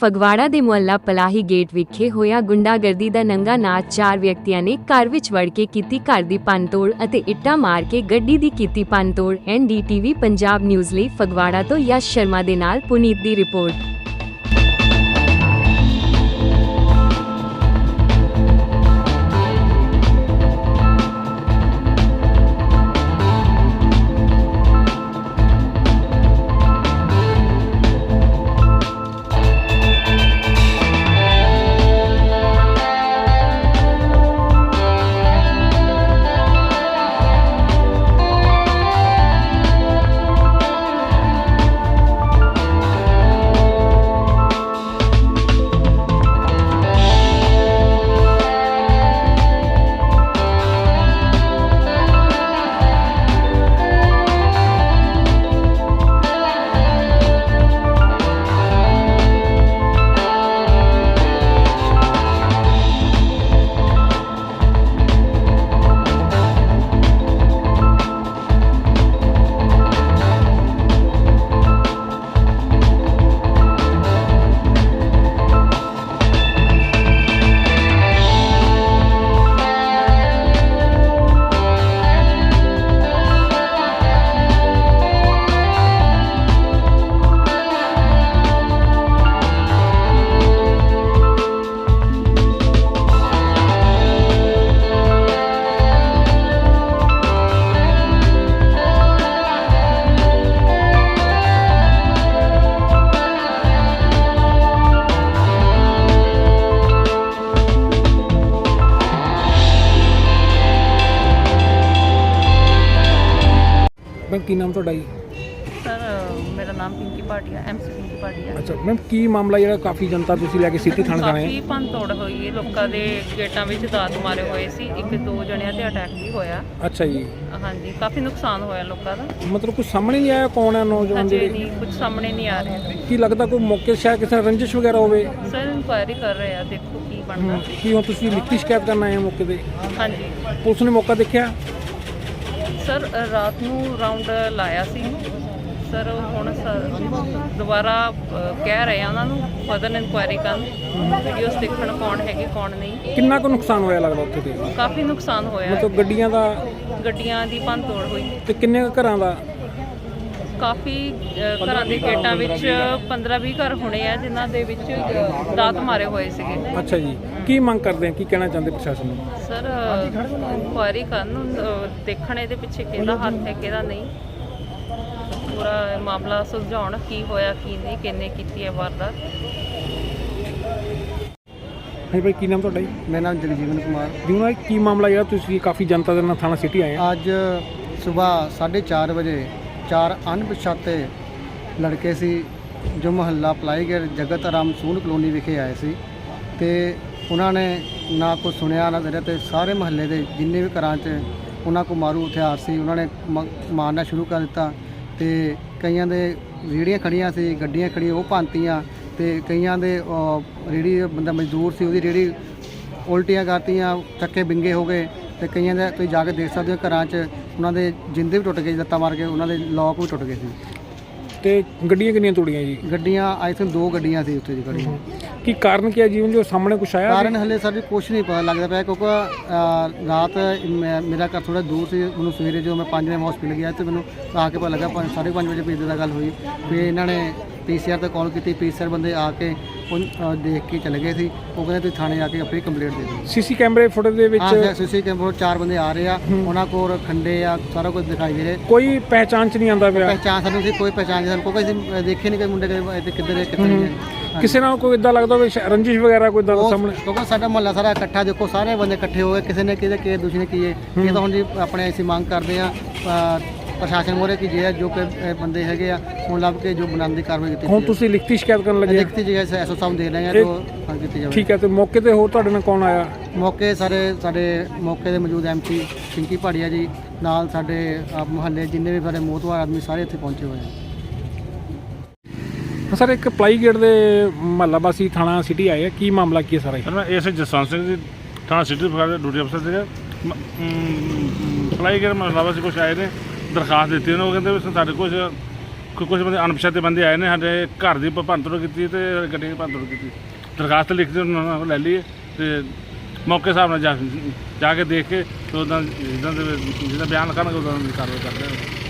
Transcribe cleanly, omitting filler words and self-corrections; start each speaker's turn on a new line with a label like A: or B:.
A: ਫਗਵਾੜਾ ਦੇ ਮੁਹੱਲਾ ਪਲਾਹੀ ਗੇਟ ਵਿਖੇ ਹੋਇਆ ਗੁੰਡਾਗਰਦੀ ਦਾ ਨੰਗਾ ਨਾਚ। 4 ਵਿਅਕਤੀਆਂ ਨੇ ਘਰ ਵਿੱਚ ਵੜ ਕੇ ਕੀਤੀ ਘਰ ਦੀ ਭੰਨਤੋੜ ਅਤੇ ਇੱਟਾਂ ਮਾਰ ਕੇ ਗੱਡੀ ਦੀ ਕੀਤੀ ਭੰਨਤੋੜ। NDTV ਪੰਜਾਬ ਨਿਊਜ਼ ਲਈ ਫਗਵਾੜਾ ਤੋਂ ਯਸ਼ ਸ਼ਰਮਾ ਦੇ ਨਾਲ ਪੁਨੀਤ ਦੀ ਰਿਪੋਰਟ।
B: मैम की नाम ਤੁਹਾਡਾ ਜੀ?
C: सर मेरा नाम पिंकी भाटिया MC पिंकी भाटिया।
B: ਅੱਛਾ ਮੈਮ ਕੀ ਮਾਮਲਾ ਜਿਹੜਾ ਕਾਫੀ ਜਨਤਾ ਤੁਸੀਂ ਲੈ ਕੇ ਸਿਟੀ ਥਾਣੇ ਜਾਣਾ
C: ਕਾਫੀ
B: ਹੈ?
C: ਭੰਨਤੋੜ ਹੋਈ ਹੈ, ਲੋਕਾਂ ਦੇ ਗੇਟਾਂ ਵਿੱਚ ਦਾਤ ਮਾਰੇ ਹੋਏ ਸੀ, 1-2 ਜਣਿਆਂ ਤੇ ਅਟੈਕ ਵੀ ਹੋਇਆ।
B: ਅੱਛਾ ਜੀ,
C: ਹਾਂਜੀ, ਕਾਫੀ ਨੁਕਸਾਨ ਹੋਇਆ ਲੋਕਾਂ ਦਾ।
B: ਮਤਲਬ ਕੁਝ ਸਾਹਮਣੇ ਨਹੀਂ ਆਇਆ ਕੌਣ ਹੈ ਨੌਜਵਾਨ
C: ਅਜੇ
B: ਜਿਹੜੇ?
C: ਨਹੀਂ ਕੁਝ ਸਾਹਮਣੇ ਨਹੀਂ ਆ ਰਿਹਾ।
B: ਕੀ ਲੱਗਦਾ ਕੋਈ ਮੌਕੇ ਸ਼ਾਇਦ ਕਿਸੇ ਨਾਲ ਰੰਜਿਸ਼ ਵਗੈਰਾ ਹੋਵੇ?
C: ਸਰ ਇਨਕੁਆਇਰੀ ਕਰ ਰਹੇ ਆ, ਦੇਖੋ ਕੀ ਬਣਦਾ।
B: ਕੀ ਹੁਣ ਤੁਸੀਂ ਲਿਖਤੀ ਸ਼ਿਕਾਇਤ ਕਰਨ ਆਏ ਹੋ ਮੌਕੇ ਤੇ?
C: ਹਾਂਜੀ
B: ਪੁਲਿਸ ਨੇ ਮੌਕਾ ਦੇਖਿਆ?
C: ਸਰ ਰਾਤ ਨੂੰ ਰਾਉਂਡ ਲਾਇਆ ਸੀ ਸਰ, ਹੁਣ ਦੁਬਾਰਾ ਕਹਿ ਰਹੇ ਆ ਉਹਨਾਂ ਨੂੰ ਫਰਦਰ ਇਨਕੁਆਇਰੀ ਕਰਨ, ਵੀਡੀਓਜ਼ ਦੇਖਣ ਕੌਣ ਹੈਗੇ ਕੌਣ ਨਹੀਂ।
B: ਕਿੰਨਾ ਕੁ ਨੁਕਸਾਨ ਹੋਇਆ ਲੱਗਦਾ ਉੱਥੇ ਤੇ?
C: ਕਾਫੀ ਨੁਕਸਾਨ ਹੋਇਆ,
B: ਮਤਲਬ
C: ਗੱਡੀਆਂ ਦੀ ਭੰਨਤੋੜ ਹੋਈ
B: ਤੇ ਕਿੰਨੇ ਕੁ ਘਰਾਂ ਦਾ?
C: ਕਾਫੀ ਘਰਾਂ ਦੇ ਗੇਟਾਂ ਵਿੱਚ 15-20 ਘਰ ਹੋਣੇ ਆ ਜਿਨ੍ਹਾਂ ਦੇ ਵਿੱਚ ਦਾਤ ਮਾਰੇ ਹੋਏ ਸੀਗੇ।
B: ਅੱਛਾ ਜੀ, ਕੀ ਮੰਗ ਕਰਦੇ ਆ, ਕੀ ਕਹਿਣਾ ਚਾਹੁੰਦੇ ਪ੍ਰਸ਼ਾਸਨ ਨੂੰ?
C: ਸਰ ਇਨਕੁਆਇਰੀ ਕਰਨ, ਦੇਖਣ ਇਹਦੇ ਪਿੱਛੇ ਕਿਹਦਾ ਹੱਥ ਹੈ ਕਿਹਦਾ ਨਹੀਂ, ਪੂਰਾ ਮਾਮਲਾ ਸੁਲਝਾਉਣ, ਕੀ ਹੋਇਆ ਕੀ ਨਹੀਂ, ਕਿੰਨੇ ਕੀਤੀ ਹੈ ਵਾਰਦਾਤ।
B: ਹਾਂਜੀ ਭਾਈ, ਕੀ ਨਾਮ ਤੁਹਾਡਾ ਜੀ?
D: ਮੇਰਾ ਨਾਮ ਜਗਜੀਵਨ ਕੁਮਾਰ।
B: ਜੂਨਾ ਕੀ ਮਾਮਲਾ ਜਿਹੜਾ ਤੁਸੀਂ ਕਾਫੀ ਜਨਤਾ ਦੇ ਨਾਲ ਥਾਣਾ ਸਿਟੀ ਆਏ ਆ?
D: ਅੱਜ ਸਵੇਰ 4:30 ਵਜੇ 4 ਅਣਪਛਾਤੇ ਲੜਕੇ ਸੀ ਜੋ ਮੁਹੱਲਾ ਪਲਾਈਗੇਟ ਜਗਤ ਰਾਮ ਸੂਨ ਕਲੋਨੀ ਵਿਖੇ ਆਏ ਸੀ ਤੇ ਉਹਨਾਂ ਨੇ ਨਾ ਕੁਛ ਸੁਣਿਆ ਨਾ ਕਰਿਆ ਤੇ ਸਾਰੇ ਮੁਹੱਲੇ ਦੇ ਜਿੰਨੇ ਵੀ ਘਰਾਂ 'ਚ ਉਹਨਾਂ ਕੋਲ ਮਾਰੂ ਹਥਿਆਰ ਸੀ ਉਹਨਾਂ ਨੇ ਮਾਰਨਾ ਸ਼ੁਰੂ ਕਰ ਦਿੱਤਾ ਤੇ ਕਈਆਂ ਦੇ ਰੇਹੜੀਆਂ ਖੜੀਆਂ ਸੀ, ਗੱਡੀਆਂ ਖੜੀਆਂ ਉਹ ਭੰਨਤੀਆਂ ਤੇ ਕਈਆਂ ਦੇ ਰੇਹੜੀ ਬੰਦਾ ਮਜ਼ਦੂਰ ਸੀ ਉਹਦੀ ਰੇਹੜੀ ਉਲਟੀਆਂ ਕਰਤੀਆਂ, ਚੱਕੇ ਬਿੰਗੇ ਹੋ ਗਏ ਤੇ ਕਈਆਂ ਦੇ ਤੁਸੀਂ ਜਾ ਕੇ ਦੇਖ ਸਕਦੇ ਹੋ ਘਰਾਂ 'ਚ ਉਹਨਾਂ ਦੇ ਜਿੰਦੇ ਵੀ ਟੁੱਟ ਗਏ, ਲੱਤਾਂ ਮਾਰ ਕੇ ਉਹਨਾਂ ਦੇ ਲੋਕ ਵੀ ਟੁੱਟ ਗਏ ਸੀ।
B: ਤੇ ਗੱਡੀਆਂ ਕਿੰਨੀਆਂ ਤੋੜੀਆਂ ਜੀ?
D: ਗੱਡੀਆਂ ਆਈ ਥਿੰਕ 2 ਗੱਡੀਆਂ ਸੀ ਉੱਥੇ ਜੀ ਖੜੀਆਂ।
B: ਕੀ ਕਾਰਨ ਕੀ ਹੈ ਜੀਵਨ ਜੋ ਸਾਹਮਣੇ ਕੁਛ ਆਇਆ?
D: ਕਾਰਨ ਹਲੇ ਸਰ ਜੀ ਕੁਛ ਨਹੀਂ ਪਤਾ ਲੱਗਦਾ ਪਿਆ ਕਿਉਂਕਿ ਰਾਤ ਮੇਰਾ ਘਰ ਥੋੜਾ ਦੂਰ ਸੀ, ਮੈਨੂੰ ਸਵੇਰੇ ਜਦੋਂ ਮੈਂ 5 ਵਜੇ ਹਸਪੀਟਲ ਗਿਆ ਤੇ ਮੈਨੂੰ ਆ ਕੇ ਪਤਾ ਲੱਗਾ 5:30 ਵਜੇ ਭੇਜਣ ਦਾ ਗੱਲ ਹੋਈ। ਫਿਰ ਇਹਨਾਂ ਨੇ PCR ਤੇ ਕਾਲ ਕੀਤੀ, PCR ਬੰਦੇ ਆ ਕੇ ਉਹ ਦੇਖ ਕੇ ਚਲੇ ਗਏ ਸੀ। ਉਹ ਕਹਿੰਦੇ ਤੁਸੀਂ ਥਾਣੇ ਆ ਕੇ ਆਪਣੀ ਕੰਪਲੇਂਟ ਦੇ ਦਿਓ।
B: ਸੀਸੀ ਕੈਮਰੇ ਫੁਟੇਜ ਦੇ ਵਿੱਚ
D: ਸੀਸੀ ਕੈਮਰੇ 4 ਬੰਦੇ ਆ ਰਹੇ ਆ, ਉਹਨਾਂ ਕੋਲ ਖੰਡੇ ਆ, ਸਾਰਾ ਕੁਝ ਦਿਖਾਈ ਦੇ ਰਿਹਾ।
B: ਕੋਈ ਪਹਿਚਾਣ ਚ ਨਹੀਂ ਆਉਂਦਾ ਪਿਆ?
D: ਪਹਿਚਾਣ ਸਾਨੂੰ ਸੀ ਕੋਈ ਪਹਿਚਾਣ ਨਹੀਂ, ਸਾਨੂੰ ਕੋਈ ਦੇਖੇ ਨਹੀਂ ਕੋਈ ਮੁੰਡੇ ਕਿੱਧਰ ਕਿੱਥੇ ਨਹੀਂ ਹੈ।
B: ਕਿਸੇ ਨਾਲ ਕੋਈ ਇਦਾਂ ਲੱਗਦਾ ਵੀ ਰੰਜਿਸ਼ ਵਗੈਰਾ ਕੋਈ ਇਦਾਂ ਸਾਹਮਣੇ?
D: ਕਿਉਂਕਿ ਸਾਡਾ ਮੁਹੱਲਾ ਸਾਰਾ ਇਕੱਠਾ, ਦੇਖੋ ਸਾਰੇ ਬੰਦੇ ਇਕੱਠੇ ਹੋ ਗਏ, ਕਿਸੇ ਨੇ ਕਿਹਦੇ ਦੂਸਰੇ ਨੇ ਕੀਏ। ਇਹ ਤਾਂ ਹੁਣ ਜੀ ਆਪਣੇ ਅਸੀਂ ਮੰਗ ਕਰਦੇ ਆ ਪ੍ਰਸ਼ਾਸਨ ਮੋਰੇ ਕਿ ਜੇ ਜੋ ਕਿ ਬੰਦੇ ਹੈਗੇ ਆ ਹੁਣ ਲੱਭ ਕੇ ਜੋ ਬਣਾਉਣ ਦੀ ਕਾਰਵਾਈ ਕੀਤੀ। ਹੁਣ
B: ਤੁਸੀਂ ਲਿਖਤੀ ਸ਼ਿਕਾਇਤ ਕਰਨ ਲੱਗੇ?
D: ਲਿਖਤੀ ਜਗ੍ਹਾ ਐਸਓ ਸਾਹਿਬ ਦੇ ਰਹੇ ਆ ਜੋ ਕੀਤੀ ਜਾਵੇ।
B: ਠੀਕ ਹੈ, ਤੇ ਮੌਕੇ ਤੇ ਹੋਰ ਤੁਹਾਡੇ ਨਾਲ ਕੌਣ ਆਇਆ?
D: ਮੌਕੇ ਸਾਡੇ ਮੌਕੇ ਦੇ ਮੌਜੂਦ MC ਪਿੰਕੀ ਭਾਟੀਆ ਜੀ ਨਾਲ ਸਾਡੇ ਮੁਹੱਲੇ ਜਿੰਨੇ ਵੀ ਸਾਡੇ ਮੋਹਤਵਾਰ ਆਦਮੀ ਸਾਰੇ ਇੱਥੇ ਪਹੁੰਚੇ ਹੋਏ ਆ।
B: ਸਰ ਇੱਕ ਪਲਾਈਗੇਟ ਦੇ ਮੁਹੱਲਾ ਵਾਸੀ ਥਾਣਾ ਸਿਟੀ ਆਏ ਆ, ਕੀ ਮਾਮਲਾ ਕੀ ਹੈ ਸਾਰਾ?
E: ਮੈਂ ਐਸੇ ਜਸਵੰਤ ਸਿੰਘ ਜੀ ਥਾਣਾ ਸਿਟੀ ਫਗਵਾੜਾ ਡਿਊਟੀ ਅਫਸਰ ਸੀਗਾ। ਪਲਾਈਗੇਟ ਮੁਹੱਲਾ ਵਾਸੀ ਕੁਛ ਆਏ ਨੇ, ਦਰਖਾਸਤ ਦਿੱਤੀ ਉਹਨਾਂ ਨੂੰ, ਕਹਿੰਦੇ ਵੀ ਸਾਡੇ ਕੁਝ ਕੁਝ ਬੰਦੇ ਅਣਪਛਾਤੇ ਬੰਦੇ ਆਏ ਨੇ ਸਾਡੇ ਘਰ ਦੀ ਭੰਨਤੋੜ ਕੀਤੀ ਤੇ ਗੱਡੀ ਦੀ ਭੰਨਤੋੜ ਕੀਤੀ। ਦਰਖਾਸਤ ਲਿਖ ਕੇ ਉਹਨਾਂ ਕੋਲ ਲੈ ਲਈ ਤੇ ਮੌਕੇ ਹਿਸਾਬ ਨਾਲ ਜਾ ਕੇ ਦੇਖ ਕੇ ਤੇ ਉਹਦਾ ਜਿਹਦਾ ਬਿਆਨ ਲਿਖਾਂਗੇ ਉਹਦਾ ਕਾਰਵਾਈ ਕਰਦੇ ਹਾਂ।